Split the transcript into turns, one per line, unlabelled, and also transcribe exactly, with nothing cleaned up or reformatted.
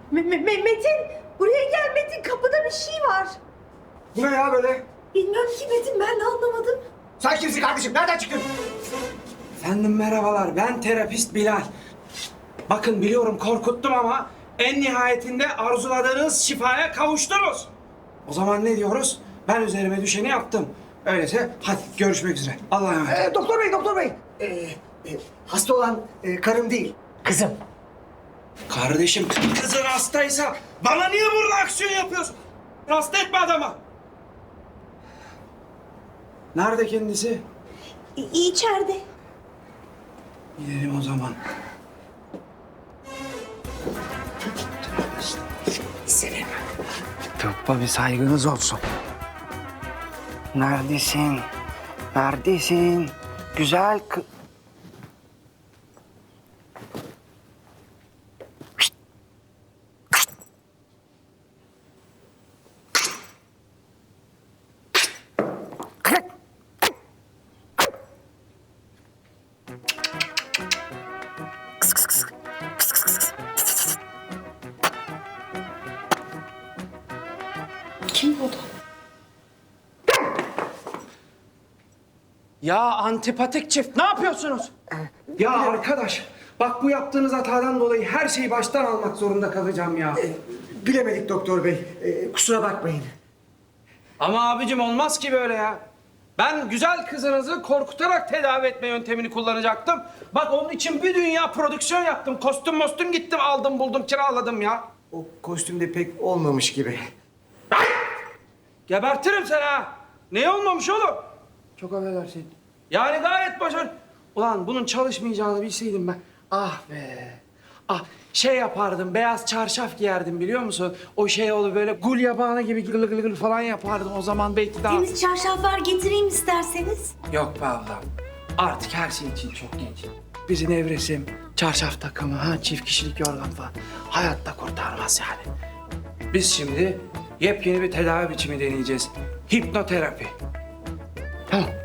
Me- Me- Me- Metin, buraya gel Metin. Kapıda bir şey var.
Bu ne ya böyle?
Bilmem ki Metin, ben de anlamadım.
Sen kimsin kardeşim? Nereden çıktın?
Efendim merhabalar, ben terapist Bilal. Bakın biliyorum korkuttum ama en nihayetinde arzuladığınız şifaya kavuştunuz. O zaman ne diyoruz? Ben üzerime düşeni yaptım. Öyleyse hadi görüşmek üzere. Allah'a emanet.
Ee, doktor bey, doktor bey. Ee, e, hasta olan e, karım değil, kızım.
Kardeşim kızın hastaysa bana niye burada aksiyon yapıyorsun? Hasta etme adama. Nerede kendisi?
İ- içeride.
Gidelim o zaman.
Selim.
Tıbba bir saygınız olsun. Neredesin? Neredesin? Güzel kı...
Kim o da?
Ya antipatik çift ne yapıyorsunuz? Ya arkadaş bak bu yaptığınız hatadan dolayı her şeyi baştan almak zorunda kalacağım ya.
Bilemedik doktor bey. Ee, kusura bakmayın.
Ama abicim olmaz ki böyle ya. Ben güzel kızınızı korkutarak tedavi etme yöntemini kullanacaktım. Bak onun için bir dünya prodüksiyon yaptım. Kostüm mostüm gittim aldım buldum kiraladım ya.
O kostümde pek olmamış gibi.
Ay! Gebertirim seni ha. Ne olmamış oğlum? Çok affedersin. Yani gayet başarılı. Ulan bunun çalışmayacağını bilseydim ben. Ah be. Ah şey yapardım, beyaz çarşaf giyerdim biliyor musun? O şey olur böyle gul yabağına gibi gıl gıl gıl falan yapardım. O zaman belki daha...
Temiz çarşaflar getireyim isterseniz.
Yok be ablam. Artık her şey için çok geç. Bizi nevresim, çarşaf takımı, ha çift kişilik yorgan falan hayatta kurtarmaz yani. Biz şimdi yepyeni bir tedavi biçimi deneyeceğiz. Hipnoterapi. Tamam.